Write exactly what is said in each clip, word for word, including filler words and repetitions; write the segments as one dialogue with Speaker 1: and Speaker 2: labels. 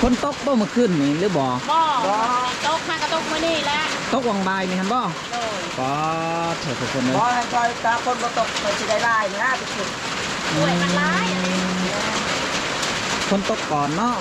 Speaker 1: คนตกบ่เมื่อคืนนี่หรือบ่
Speaker 2: บ่ตกมากระตกมื้อนี้แหละ
Speaker 1: ตกวังบายนี่ฮันบ่ก็เถอะทุกคนเลย
Speaker 3: บ่ให้คอยตาคนบ่ตกคอยสิได้ลายนะทุกคน
Speaker 2: ป่วยมันร้าย
Speaker 1: คนตกก่อนเนาะ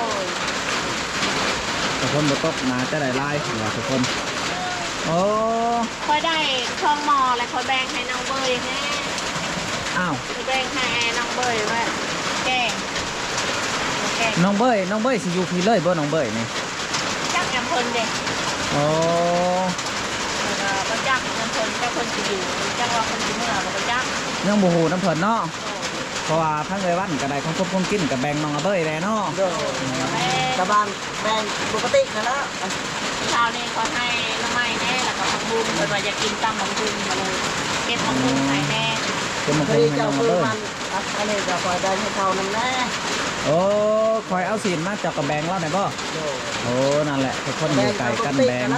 Speaker 1: แต่คนบ่ตกมาจะได้ลายเหรอทุกคนโอ้
Speaker 2: คอยได้ช่องหมอแล้วคอยแบ่งให้น้องเบยแน่
Speaker 1: อ้าว
Speaker 2: แบ่งให้น้องเบยว่าแกง
Speaker 1: น้องเบยน้องเบยสิอยู่พี่เลยบ่น้องเบยนี่
Speaker 2: จักแอมเพิ่นเด็ก
Speaker 1: โอ้
Speaker 2: ก็จักแอมเพิ่นจักเพิ่นสิอยู่จักว่าเพิ่นสิเมื่อก็จัก
Speaker 1: ยังบ่ฮู้น้ำเพิ่นเนาะเพราะว่าทั้งเลยวันก็ได้ของครบของกินกับแบ่งน้องเบยแล้วเนาะ
Speaker 3: กระบาลแบ่งปกตินะนะ
Speaker 2: เช้านี้ก็ให้น้ำไม้แน่แล้วก็ผักบุ้งเพิ่นว่าอยากกินตำผักบุ้งมาเลยเก็บผักบุ้งให้แน่
Speaker 1: เก็บมาให้น้องเบย
Speaker 3: อันนี้จะคอยได้ให้เขานำแน่
Speaker 1: โอ้คอยเอาสินมาจากกระแบงแล้วไหนบ่โอ้นั่นแหละทุกคนอยู่ไก่กันแบง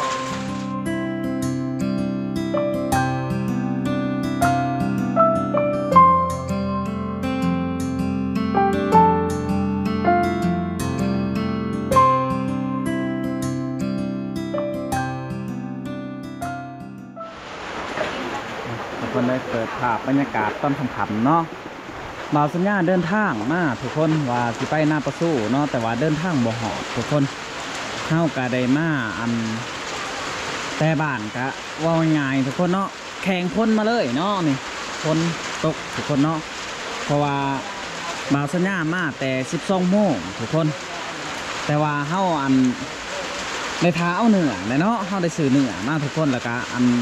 Speaker 1: ทุกคนได้เปิดภาพบรรยากาศตอนค่ำๆเนาะบ่าวสัญญาเดินทางมาทุกคนว่าสิไปหน้าประสู้เนาะแต่ว่าเดินทางบ่หอดทุกคนเข้ากะได้มาอันแต่บ้านกะว่าง่ายทุกคนเนาะแข่งพ้นมาเลยเนาะนี่พ้นตกทุกคนเนาะเพราะว่าบ่าวสัญญามาแต่สิบสองโมงทุกคนแต่ว่าเข้าอันในท้าเอาเหนือเนาะเข้าได้สื่อเหนือมาทุกคนแล้วก็อัน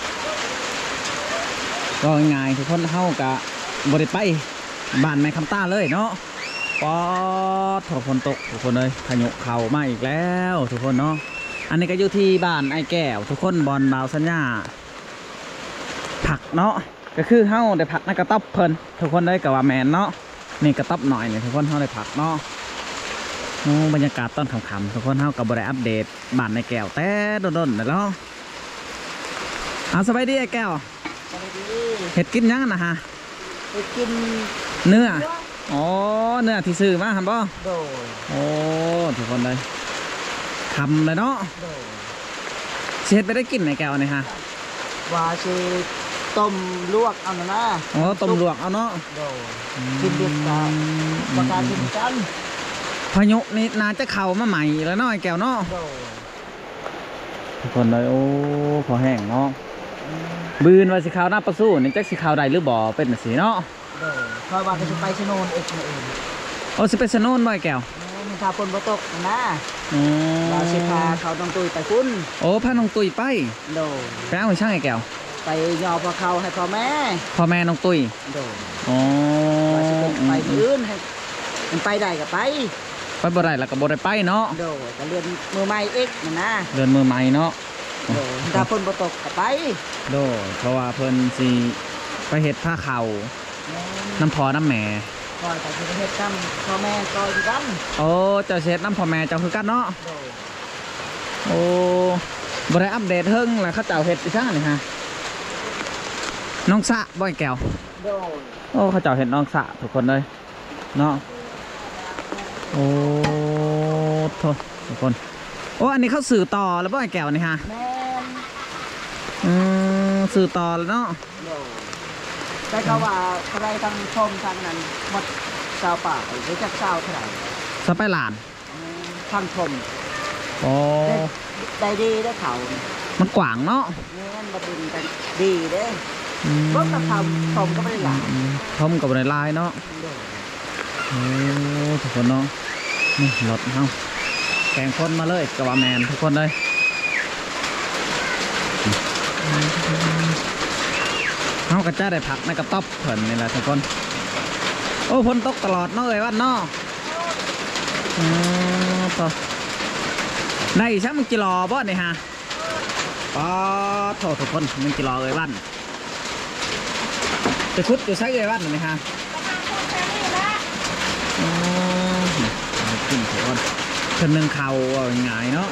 Speaker 1: ก็ง่ายทุกคนเข้ากะบริไปบ้านแม่คำต้าเลยเนาะปอดถกฝนตกทุกคนเลยพายุเข่ามาอีกแล้วทุกคนเนาะอันนี้ก็อยู่ที่บ้านไอ้แก้วทุกคนบอลบ่าวสัญญาผักเนาะก็คือเฮ้าได้ผักในกระต๊อบเพลินทุกคนเลยกับว่าแมนเนาะนี่กระต๊อบหน่อยเนี่ยทุกคนเฮ้าได้ผักเนาะบรรยากาศต้นขำๆทุกคนเฮ้ากับบริอัปเดตบ้านไอ้แก้วแต่โดนๆเลยเนาะเอาสบายดีไอ้แก้วเห็ดกินยังนะฮะ
Speaker 3: เห็ดกิน
Speaker 1: เนื้ออ๋อเนื้อที่ซื้อมาครับบ่
Speaker 3: โดย
Speaker 1: โอ้ทุกคนเลยทำเลยเนาะเช็ดไปได้กินในแก้วนี่ฮะ
Speaker 3: ว่าสิต้มลวกเอาหน้า
Speaker 1: อ๋อต้มลวกเอาเนาะ
Speaker 3: โดยกินเด็ดกันประการกินกัน
Speaker 1: พายุนี่น่าจะเข่ามาใหม่แล้วเนาะไอ้แก้วเนาะทุกคนเลยโอ้พอแห้งเนาะบืนว่าสีขาวหน้าประสู้นี่จักสีขาวใดหรือบ่อเป็นสีเนาะ
Speaker 3: เด้อเพราะว่าจะไปชโนนเอกเอง
Speaker 1: โอ้สิไปชโนนบ่อยแก้ว
Speaker 3: มีทาปนบ่ตกนะอืมเราสิพาเขาต้องตุยไปคุณ
Speaker 1: โอ้พาน้องตุยไป
Speaker 3: โด
Speaker 1: ไปเอาช่างไอ้แก้ว
Speaker 3: ไปยอพอเขาให้พ่อแม่
Speaker 1: พ่อแม่น้องตุย
Speaker 3: โด
Speaker 1: อ๋อ
Speaker 3: ไปอื่นให้มันไปได้ก็ไป
Speaker 1: ไปบ่ได้แล้วก็บ่ได้ไปเนาะ
Speaker 3: โดก็เรียนมือใหม่เอกนะนะ
Speaker 1: เรียนมือใหม่เนาะ
Speaker 3: โดถ้าเพิ่นบ่ตกก็ไป
Speaker 1: โดเพราะว่าเพิ่นสิไปเฮ็ดผ้าเข่าน้ำพอน้ำแม่
Speaker 3: คอยแต่สิเฮ็ดกันพ่อแม่ก็อยู่กัน
Speaker 1: โอ้เจ้าเฮ็ดน้ำพ่อแม่เจ้าคือกันเนาะโอ้บ่ได้อัปเดตเฮิงแล้วเขาเจ้าเฮ็ดอีซั่งนี่ฮะน้องสะบ่อยแก้ว
Speaker 3: โด
Speaker 1: โอ้เขาเจ้าเฮ็ดน้องสะทุกคนเลยเนาะโอ้โทษทุกคนโอ้อันนี้เขาสื่อต่อแล้วบ่อยแก้วนี่ฮะ
Speaker 3: แม่น
Speaker 1: อืมสื่อต่อแล้วเนาะ
Speaker 3: แต่เขาว่าใครทางชมทางนั้นหมดชาวป่าหรือจากชาวเท่าไหร่
Speaker 1: สไปหลาน
Speaker 3: ทางชม
Speaker 1: โอ้
Speaker 3: ได้ดีได้เขา
Speaker 1: มันกว้างเนาะ
Speaker 3: นี่มันบดินกันดีเด้รถกระทำชมก็ไม่ได้หลาย
Speaker 1: ชมกับในลายเนาะโอ้ทุกคนเนาะนี่รถเฮาแข่งคนมาเลยกับว่าแมนทุกคนเลยเขาก็จะได้ผักในกระต๊อบเผินนี่แหละทุกคนโอ้ฝนตกตลอดเนาะเลยวันเนาะอ๋อต่อในช่างมึงกิโลบ่เนี่ยฮะป๊อดโถทุกคนมึงกิโลเลยวันจะคุดจะใช้เลยวันนี่ฮะอ๋อขึ้นทุกคนขึ้นหนึ่งเข่าง่ายเนาะ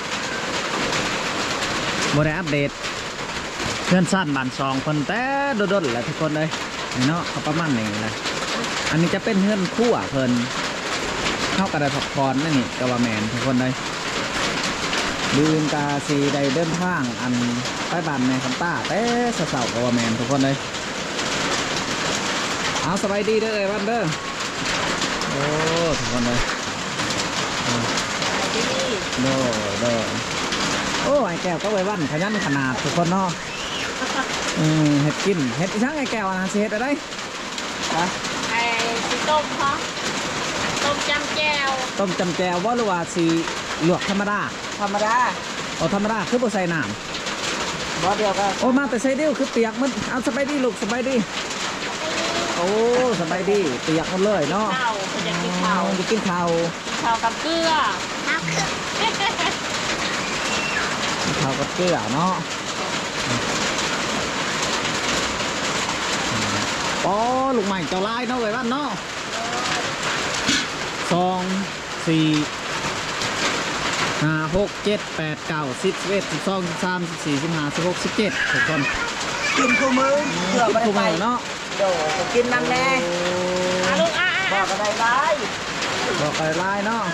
Speaker 1: บริอัปเดตเพื่อนสั้นบานซองคนแต่โดดๆแหละทุกคนเลยนี่เนาะเขาประมาณนี้เลยอันนี้จะเป็นเพื่อนคู่อ่ะเพิ่นเข้ากับได้พักผ่อนนั่นนี่ก็ว่าแมนทุกคนเลยลืมกาสีได้เดินทางอันใต้บ้านแม่คำต้าแต่เสาๆก็ว่าแมนทุกคนเลยเอาสบายดีเด้อเอ้ยวันเด้อโอ้ทุกคนเลยโดโดโอ้ไอ้แก้วก็ไว้วันขยันขนาดทุกคนเนาะอืมเห็ดกินเห็ดอีช่างไอ้แก้วนะสิเห็ดอะไรฮะ
Speaker 2: ไอ้สีต้มเขาต้มจำแก้ว
Speaker 1: ต้มจำแจวว่าหรือว่าสีลวกธรรมดา
Speaker 3: ธรรมดา
Speaker 1: เอาธรรมดาคือบ่ใส่น้
Speaker 3: บ่เดียวก็
Speaker 1: ำโอ้มาแต่ใส่เดียวคือเปียกมันเอาสบายดีลูกสบายดีโอ้สบายดีเปียกหมดเลยเนาะ
Speaker 2: ข้าวเขาจะกินข้าว
Speaker 1: จะกินข้าว
Speaker 2: ข้าวกับเกลือน้ำเกลือ
Speaker 1: ข้าวกับเกลือเนาะอ๋อลูกใหม่เจ้าลายเนาะไว้บ้านเนาะสองสี่ห้าหกเจ็ดแปดเก้าสิบสิบเอ็ดสิบสองสิบสามสิบสี่สิบห้าสิบหกสิบเจ็ดทุกคน
Speaker 3: กินคู่มือเพื่อบ่ได้ไป
Speaker 1: เนาะ
Speaker 3: โดก็กินนั่นแน่
Speaker 2: อ่ะลูกอ่ะ
Speaker 3: บอ
Speaker 2: อ่ะ
Speaker 3: กก็ได้ได้
Speaker 1: บอกไปลายเนาะ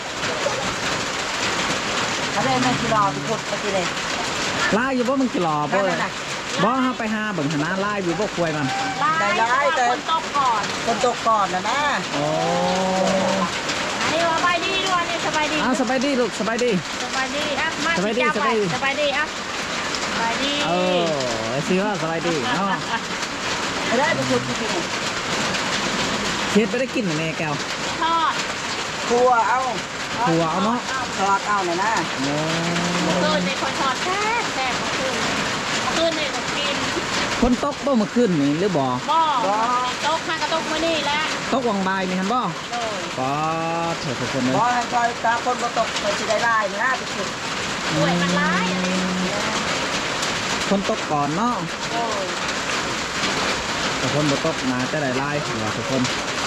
Speaker 3: ถ้าได้แม่กี่รอทุกคนเมื่อกี้เลย
Speaker 1: ลายอยู่บ่มึงกี่หล่อบ่
Speaker 3: ได้
Speaker 1: เลย
Speaker 3: ได้
Speaker 1: บ่ฮะไปหาเบิ่งหนาลายอยู่บ่ควายมัน
Speaker 3: ได้ได้แต่
Speaker 2: คนตกก่อน
Speaker 3: คนตกก่อนนะนะ
Speaker 1: โอ้
Speaker 2: อันนี้สบายดีด้วยนี่สบายดี
Speaker 1: อ้าวสบายดีลูกสบายดี
Speaker 2: สบายดีอ่ะมา
Speaker 1: สบายดี
Speaker 2: จั
Speaker 1: สบายดี
Speaker 2: สบายดีอ่ะสบายดี
Speaker 1: เออไอ้สิว่าสบายดีเนาะ
Speaker 3: ไม่ได้ทุกคนจริง
Speaker 1: เฮ็ดบ่ได้กินแน่แก้ว
Speaker 2: ทอด
Speaker 3: ๆครัวเอา
Speaker 1: ครัวเอาเนาะ
Speaker 3: ทอดเอาหน่อยนะ
Speaker 1: โอ้
Speaker 2: เมื่อคืนในคนทอดแซ่บแซ่บเมื่อคืนเมื่อคืนในก็กิน
Speaker 1: คนตกบ่เมื่อคืนนี่หรือบ่
Speaker 2: บ่โต๊ะข้างกระโต๊ะมื้อนี้แหละ
Speaker 1: ตกวังบายนี่หั่นบ่
Speaker 2: โดย
Speaker 1: ก็เถิดทุกคนเลย
Speaker 3: บอให้คอยตาคนก็ตกไปสิได้ไล่นะทุกคน
Speaker 2: ป่วยมันร้ายอันนี้
Speaker 1: คนตกก่อนเนาะ
Speaker 2: โดย
Speaker 1: แต่คนบ่ตกมาจะได้ลายหัวทุกคน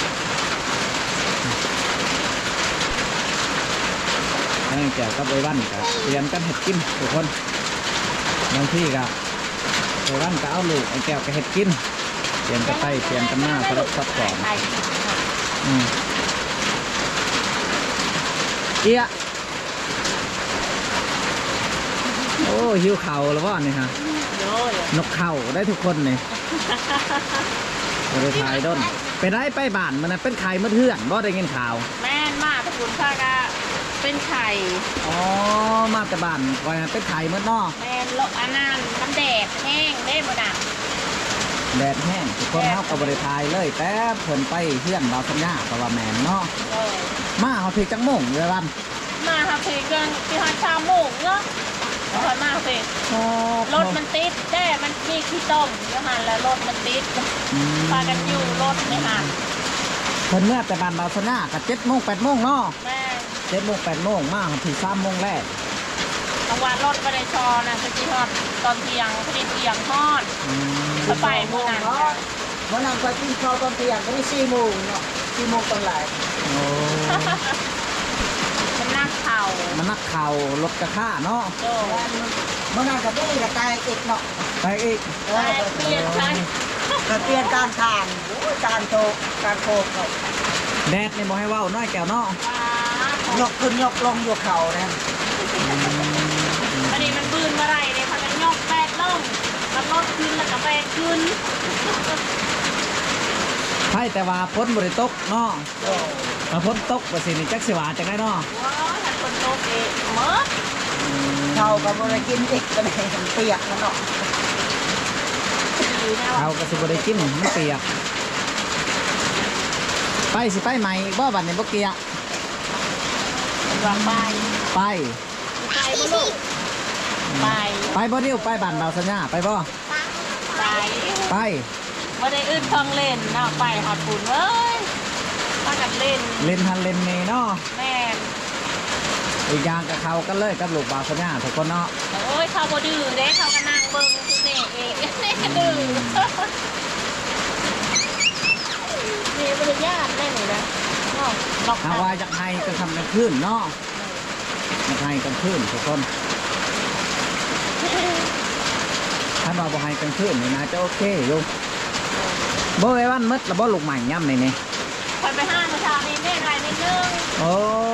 Speaker 1: อันนี้แก้วกับไว้วันก็เตรียมกันเฮ็ดกินทุกคนบางที่ก็ไว้วันก็เอาลูกไอ้แก้วก็เฮ็ดกินเตรียมกันไปเตรียมกันมาสลับซับซ้อน
Speaker 2: ไข่
Speaker 1: อืมเอียะโอ้หิวเข่าวแล้วว่านี่ฮะ
Speaker 2: โดย
Speaker 1: นกเข่าได้ทุกคนนี่บริทายด้นไปได้ไปบ้านมันนะเป็นไข่เมื่อเทื่อนบ่ได้เงินข่าว
Speaker 2: แม่นมากตระกูลข้ากะเป็นไข่
Speaker 1: อ๋อมาแต่บ้านไว้นะเป็นไข่เมื่อนอก
Speaker 2: แม่นโลอันนั้นมันแดดแห้งได้บ่น่ะ
Speaker 1: แดดแห้งทุกคนเฮากับบริทายเลยแต่เพิ่นไปเพื่อนเราสัญญาเพราะว่าแมนเนาะ
Speaker 2: โดย
Speaker 1: มาเขาถือจังโมงเลยวัน
Speaker 2: มาครับเพเกินที่ฮอดชาโมงเนาะคอยมาเพ
Speaker 1: โอ้
Speaker 2: รถมันติดแต่มันมีขี้ต้มอยู่หันแล้วรถมันติด
Speaker 1: อืม
Speaker 2: พากันอยู่รถในหัน
Speaker 1: เพิ่นเมื่อแต่บ้านเราสัญญากับเจ็ดโมงแปดโมงเนาะ
Speaker 2: แม่
Speaker 1: เจ็ดโมงแปดโมงมาถึงสามโมงแรก
Speaker 2: กลางวันรถไม่ได้ชอนะคือที่ฮอดตอนเที่ยงพอดีเที่ยงทอด
Speaker 1: อืม
Speaker 2: สบายเมื่อนั้น
Speaker 3: เนาะวันนั้นไปกินข้าวตอนเที่ยงก็ได้สี่โมงเนาะสี่โมงตอนไหล
Speaker 1: โอ้
Speaker 2: มันนักเข่า
Speaker 1: มันนักเข่ารถกระท่าเนาะ
Speaker 2: โดย
Speaker 3: เมื่อนั้นก็ได้กระจายอีกเนาะ
Speaker 1: ไปอีก
Speaker 3: เอ
Speaker 2: แต่
Speaker 3: อ
Speaker 2: เปลี่ยนใช่
Speaker 3: ก็เปลี่ยนการทางโอ้ยการโตการโคกเนาะ
Speaker 1: แดดนี่บ่ให้เว้าน้อยแก้วเนาะ
Speaker 3: ยกขึ้นยกลงยกเข่านะ
Speaker 2: พอดีมันบืนมาไรเลยพากันยกแปดลงแล้วรถขึ้นแล้วก็แปดขึ้น
Speaker 1: ใช่แต่ว่าพ้นบริตกเนาะ
Speaker 3: โอ้
Speaker 1: มาพ้นตกว่าสินี่จักสิว่าจังได้เนาะ
Speaker 2: ว้าวถ้าคนโตเองเมื่อ
Speaker 3: เข่ากับบริกินอีกก็เลยเปียกมันเนาะ
Speaker 2: ดีนะ
Speaker 1: เขา
Speaker 2: ว่า
Speaker 1: ก็สิบ่ได้กินมันเปียกไปสิไปใหม่อีกบ่บัดนี้บ่เกียก
Speaker 2: วางไป
Speaker 1: ไป
Speaker 2: ไปบ่ลูกไป
Speaker 1: ไปบ่เดียวไปบ้านเราสัญญาไปบ่
Speaker 2: ไป
Speaker 1: ไป
Speaker 2: ว่าได้อื่นเครื่องเล่นเนาะไปหอดปุ่นเอ้ยพากันเล่น
Speaker 1: เล่นทันเล่นนี่เนาะ
Speaker 2: แม่น
Speaker 1: อีกอย่างกับเขากันเลยกับลูกบ่าวสัญญาทุกคนเนาะ
Speaker 2: โอ้ยเขาบ่ดื้อเด้เขาก็นั่งเบิ่งคือนี่เองนี่ดื้อนี่บริญาตเล่นนี่นะเนาะนอก
Speaker 1: หาว่าจากไห้ก็ทำกันขึ้นเนาะจากไห้กันขึ้นทุกคนถ้าเราบ่ไห้กันขึ้นนี่นะจะโอเคอยู่บ่ไว้วันมืดแล้วบ่ลูกใหม่ย่ำนี่นี่
Speaker 2: คอยไปห้างเมื่อเช้านี้เล่นอะไรนิดนึง
Speaker 1: โอ้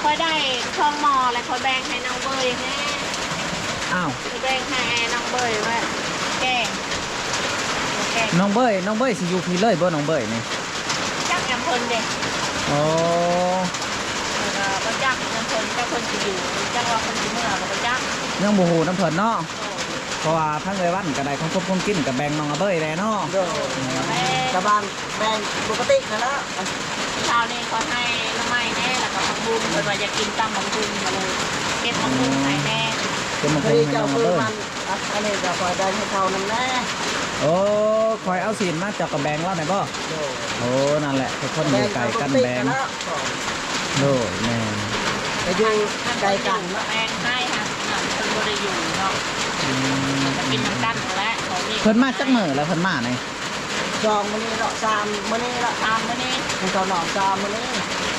Speaker 2: ค่อยได้ช่องหมอแล้วค่อยแบ่งให้น้องเบยแม่
Speaker 1: อ้าว
Speaker 2: ค่อยแบ่งให้น้องเบยว่าแกงแกง
Speaker 1: น้องเบยน้องเบยสิอยู่พี่เลยบ่น้องเบยนี่
Speaker 2: จักยำเพลินเด็ก
Speaker 1: โอ้
Speaker 2: แล้วก็จักยำเพลินเจ้าเพลินจะอยู่จังว่าเพลินจะเมื่อก็จัก
Speaker 1: ยังบ่ฮู้น้ำเพิ่นเนาะเพราะว่าทั้งเอ้ยวันก็ได้ของครบของกินกับแบ่งน้องอาเบยแล้เนาะ
Speaker 3: โดย
Speaker 2: แม่
Speaker 3: กระบางแบ่งปกตินะแล้ว
Speaker 2: เช้านี้ก็ให้น้ำไม้แน่แล้วก็ผักบุ้งเพิ่นว่าอยากกินตำผักบุ้งมาเลยเก็บผักบุ้งให้แน่
Speaker 1: เป็นมา
Speaker 3: พ
Speaker 1: ค
Speaker 3: อง ดี
Speaker 1: ให้น้
Speaker 3: เจ้า
Speaker 1: องอา
Speaker 3: คือ
Speaker 1: เบย
Speaker 3: มันอ่ะอันนี้ก็คอยได้ให้เขานั่นแน่
Speaker 1: โอ้คอยเอาศีลมาเจากกับแบ่งแล้วไหนบ่
Speaker 3: โดย
Speaker 1: โอ้นั่นแหละทุกคนอยู่ไกลกันแบ่ง
Speaker 3: แล้ว
Speaker 1: โดยแม่
Speaker 3: ไปอยู่ไกลกัน
Speaker 2: แม่
Speaker 3: เนาะ
Speaker 2: แป้งให้ค่ะนั่นเพิ่นบ่ได้อยู่เนาะ
Speaker 1: อืม
Speaker 2: จะกินน้ำกันแล้วของนี่
Speaker 1: เพิ่นมาจักมื้อแล้วเพิ่นมาไหน
Speaker 3: จองมื้อนี้เนาะสามมื้อนี้ละ
Speaker 2: ตามมื้อนี้
Speaker 3: ให้เขาหนอนสามมื้อนี้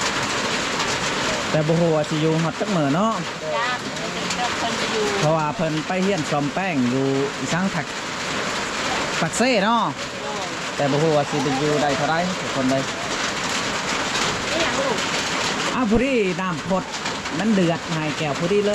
Speaker 1: แต่บ่ฮู้ว่าสิอยู่ฮอดจักมื้อเนาะ
Speaker 2: ญาติเพิ่นเพิ่นจะอยู่
Speaker 1: เพราะว่าเพิ่นไปเฮียนซ่อมแป้งอยู่อีสังถักปักเซ่เนาะ
Speaker 2: โดย
Speaker 1: แต่บ่ฮู้ว่าสิได้อยู่ได้เท่าไรทุกคนเลย
Speaker 2: นี่อย่างลูก
Speaker 1: อ้าวผู้ดีน้ำพดมันเดือดหายแก้วผู้ดีเลย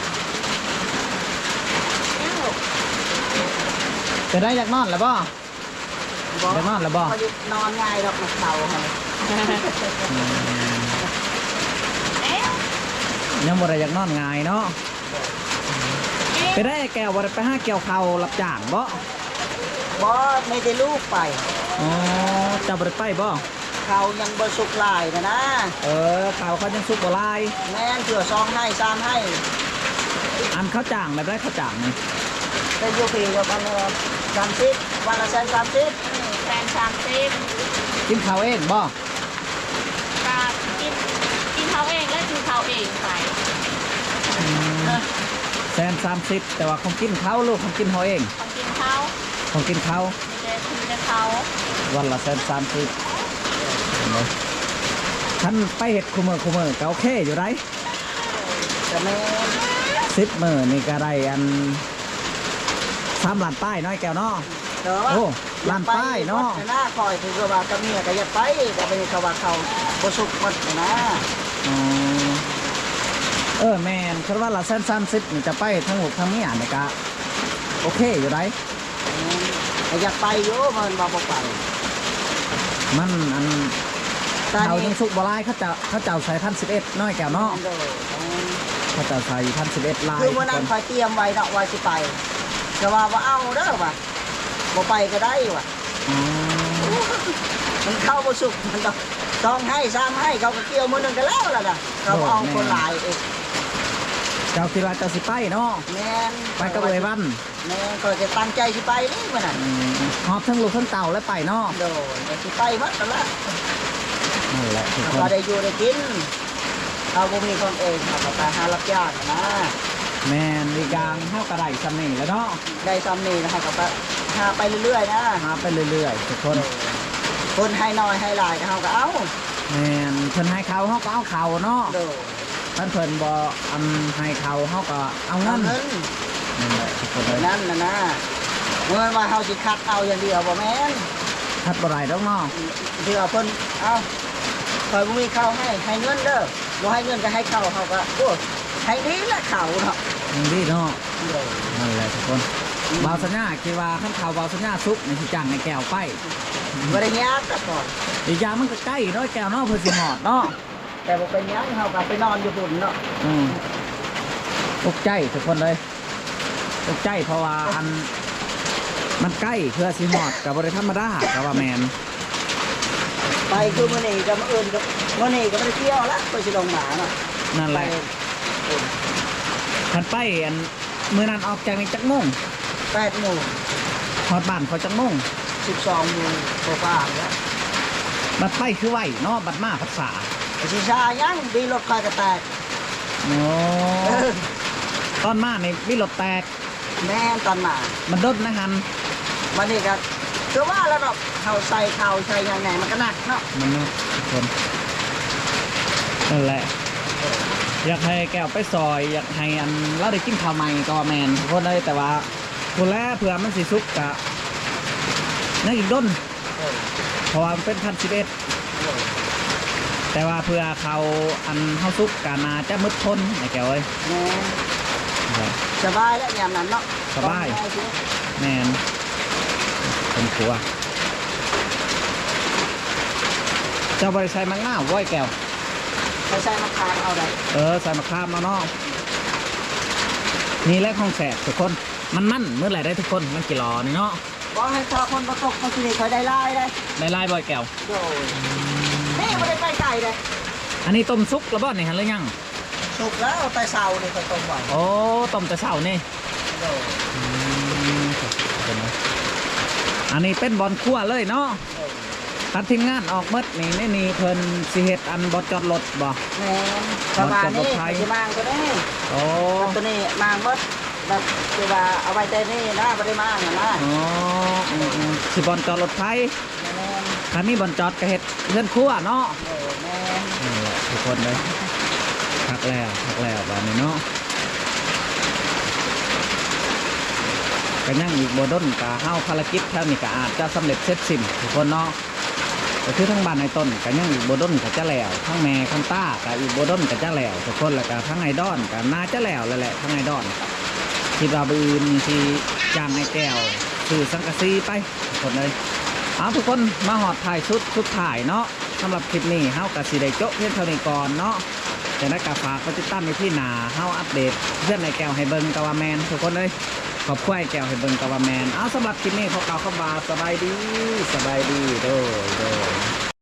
Speaker 2: นี่ลูก
Speaker 1: จะได้อยากนอนแล้วบ่
Speaker 3: บอก
Speaker 1: ได้นอนแล้วบ่
Speaker 3: เขาจะนอนง่ายดอกมันเต่าเขา
Speaker 1: อืม
Speaker 2: เอ๊ะ
Speaker 1: ยังบ่ได้อยากนอนง่ายเนาะ
Speaker 2: เอ๊ะ
Speaker 1: ไปได้แก้วบ่ได้ไปหาเกี่ยวข้าวรับจ้างบ่
Speaker 3: บอไม่ได้ลูกไป
Speaker 1: อ๋อเจ้าบ่ได้ไปบ่
Speaker 3: เขายังบสุกหลายนะนะ
Speaker 1: เออข้าวเขายังสุกบ่หลาย
Speaker 3: แม่นเผื่อซองให้ซามให้
Speaker 1: อันเขาจ้างแบบได้เขาจ้างนี่
Speaker 3: เป็นยูพีกับวันละสามสิบวันละแสนสามสิบ
Speaker 2: แฟนสามสิบ
Speaker 1: กินข้าวเองบ่
Speaker 2: กากินกินเขาเองและกินเขาเองไป
Speaker 1: อืมแสนสามสิบแต่ว่าของกินเขาลูกของกินเขาเอง
Speaker 2: ของกินเขา
Speaker 1: ของกินเขา
Speaker 2: มีแต่คือแต่เขา
Speaker 1: วันละแสนสามสิบท่านไปเห็ดคุมเมอคุมเมอก็โอเคอยู่ไร
Speaker 3: แต่แม่น
Speaker 1: สิบมือนี่ก็ได้อันสามล้านป้ายน้อยแก้วเนาะ
Speaker 3: เดี๋ยวว่า
Speaker 1: โอ้ล้านป้ายเนาะ
Speaker 3: วัดหน้าคอยถือว่ากับเมียก็อย่าไปแต่เป็นเขาว่าเขาบสุกวัดนะ
Speaker 1: อ๋อเออแมนคิดว่าละแสนสามสิบนี่จะไปทั้งหมดทั้งเมียนี่ก็โอเคอยู่ไร
Speaker 3: แต่อยากไปโยมันบอกบอกไป
Speaker 1: มันอัน
Speaker 3: ตอน
Speaker 1: เขา
Speaker 3: นี้
Speaker 1: ยังสุกบลายเขาจะเขาเจ้าใส่พันสิบเอ็ดน้อยแก้วเนาะ
Speaker 3: เดี๋ยว
Speaker 1: เขาเจ้าใส่พันสิบเอ็ดลาย
Speaker 3: คือวันนั้นคอยเตรียมไว้เนาะว่าสิไปแต่ว่าว่าเอาเด้อว่ะบ่ไปก็ได้ว่ะ
Speaker 1: อ๋อ
Speaker 3: มันเข้าบ่สุกมันต้องต้องให้ซ้ำให้เขาก็เกี่ยวมือหนึงกันแล้วล่ะนะเราเอาคนหลายเอง
Speaker 1: เจ้าคิดว่าเจ้าสิไปเนาะ
Speaker 3: แม่น
Speaker 1: ไปกับเอยวัน
Speaker 3: แม่นก็จะตั้งใจสิไปนี่มื้อนั้น
Speaker 1: อืมหอบทั้งลูกทั้งเต่าและไปเนาะ
Speaker 3: โดยสิไปวัดนั่นละ
Speaker 1: นั่นแหละทุกคน
Speaker 3: เราได้อยู่ได้กินเราบ่มีคนเองเราก็ไปหารับจ้างนะ
Speaker 1: แมนอีกอย่างเท่ากระไรสำนี่แล้วเนาะ
Speaker 3: ได้ซ้ำนี่นะครับก็ไปหาไปเรื่อยๆนะ
Speaker 1: มาไปเรื่อยๆทุกคน
Speaker 3: คนให้น้อยให้หลายก็เฮาก็เอา
Speaker 1: แมนเพิ่นให้เขาเขาก็เอาเขาเนาะ
Speaker 3: โดย
Speaker 1: ท่านเพิ่นบ่อันให้เขาเขาก็เอาเงิ
Speaker 3: เอา
Speaker 1: น
Speaker 3: เงิน
Speaker 1: นั่นแหละทุกคนเลย
Speaker 3: นั่นน่ะนะเมื่อว่าเฮาสิคัดเอาอย่างเดียวบ่แม่น
Speaker 1: ทัดบ่ไรดอกเนาะ
Speaker 3: เดี๋ยวเพิ่นเอาคอยบ่มีข้าวให้ให้เงินเด้อบ่ให้เงินก็ให้ข้าวเฮาก็โอ้ให้ดีละข้าวเนาะ
Speaker 1: ยังดีเนาะ
Speaker 3: โดย
Speaker 1: นั่นแหละทุกคนบาวสัญญาคิดว่าขั้นข่าวบาวสัญญาซุกในสิจ้างในแก้วไป
Speaker 3: บ่ได้ยากก็ก่อน
Speaker 1: อีกอย่างมันก็ใกล้เนาะแก้วเนาะเพิ่นสิหอดเนาะ
Speaker 3: แต่บ่เป็นหยังเฮาก็ไปนอนอยู่พุ่นเนาะ
Speaker 1: อืมตกใจทุกคนเลยตกใจเพราะว่าอันมันใกล้เพื่อสิหอดกับบริธรรมดากับว่าแมน
Speaker 3: ไปคือมื้อนี้ก็มื้ออื่นก็มื้อนี้ก็บ่ได้เที่ยวละก็สิลงหมาเนาะ
Speaker 1: นั่นแหละ
Speaker 3: ไป
Speaker 1: คันไปอันมือนั้นออกจากนี่จักโมง
Speaker 3: แปดโมง
Speaker 1: หอดบ้านเขาจักโมง
Speaker 3: สิบสองโมงกว่าๆแล้ว
Speaker 1: บัดไปคือไหวเนาะบัดมาภาษา
Speaker 3: ไอ้สิชายังดีรถคอยก็แตก
Speaker 1: โอ้
Speaker 3: เออ
Speaker 1: ตอนมาในมีรถแตก
Speaker 3: แม่นตอนมา
Speaker 1: มันดดนะฮัน
Speaker 3: วันนี้ก็คือว่าแล้วเนาะเขาใส่เขาใส่ยังไงมันก็หนักเนาะ
Speaker 1: มันนะทุกคนนั่นแหละ อยากให้แก้วไปซอย อยากให้อันเราได้กินข้าวใหม่ก็ว่าแมนทุกคนเลยแต่ว่าคนแรกเผื่อมันสิซุกกะนั่นอีกด้น
Speaker 3: เออ
Speaker 1: เพราะว่ามันเป็นพันสิบเอ็ด
Speaker 3: เออ
Speaker 1: แต่ว่าเพื่อเขาอันเฮาซุกกานาจะมืดทนไอ้แก้วเอ้ย
Speaker 3: แม่นสบายแล้วยามนั้นเนาะ
Speaker 1: สบาย แมนเป็นครัวเจ้าบริษัทมังง่าว้อยแก้ว
Speaker 3: ใช้ใช้มะขามเอาได้
Speaker 1: เออใส่มะขามมาเนาะนี่แหละของแสบทุกคนมันมั่นเมื่อไหร่ได้ทุกคนมันกี่หลอนี่เนาะ
Speaker 3: บอกให้ทอคนประกบคนที่นี่เขาได้ไล่ได้
Speaker 1: ได้ลายบ่อยแก้ว
Speaker 3: โดยนี่ไม่ได้ไปไก่เลย
Speaker 1: อันนี้ต้มซุกแล้วบ่นี่ฮะหรือยัง
Speaker 3: สุกแล้วเอาไปเสานี่เขาต้มไว้
Speaker 1: โอ้ต้มแต่เช้านี่
Speaker 3: โดย
Speaker 1: อันนี้เป็นบอลคั่วเลยเนาะตัดทีมงานออกหมดนี่นี่นี่เพิ่นสิเฮ็ดอันบอจอดรถบ่
Speaker 3: แม่นประมาณนี้จะมางก็ได้
Speaker 1: โอ้
Speaker 3: ตัวนี้มางมดแบบคือว่าเอาไว้แต่นี่นะไม่ได้มางนะนะ
Speaker 1: อ๋ออืมอืมสิบอลจอดรถไฟ
Speaker 3: แม่น
Speaker 1: คันนี้บอลจอดก็เฮ็ดเพื่อนครั่วเนาะ
Speaker 3: โอ้แม่น
Speaker 1: นี่แหละทุกคนเลยพักแล้วพักแล้วแบบนี้เนาะกันยังอีกโบดนกะเฮาภารกิจแถวนี้ก็อาจจะสำเร็จเสร็จสิ้นทุกคนเนาะก็คือทั้งบ้านในต้นกันยังอีกโบดนก็จะแล้วทั้งแม่คันต้าก็อีกโบดนก็จะแล้วทุกคนแล้วก็ทั้งไอดอนก็น่าจะแล้วแล้วแหละทั้งไอดอนคิดว่าบืนที่จ้างไอแก้วสื่อสังกะสีไปทุกคนเลยเอาทุกคนมาหอดถ่ายชุดชุดถ่ายเนาะสำหรับคลิปนี้เฮากะสิได้โจ๊ะเพียงเท่านี้ก่อนเนาะจะได้กาฝากก็ติดตามในที่หนาเฮาอัปเดตเพื่อนไอแก้วให้เบิ่งกะว่าแมนทุกคนเลยขอบคุณไอแก้วให้เบิ่งกะว่าแมนเอาสำหรับคลิปนี้ขอกล่าวคำว่าสบายดีสบายดีโดยโดย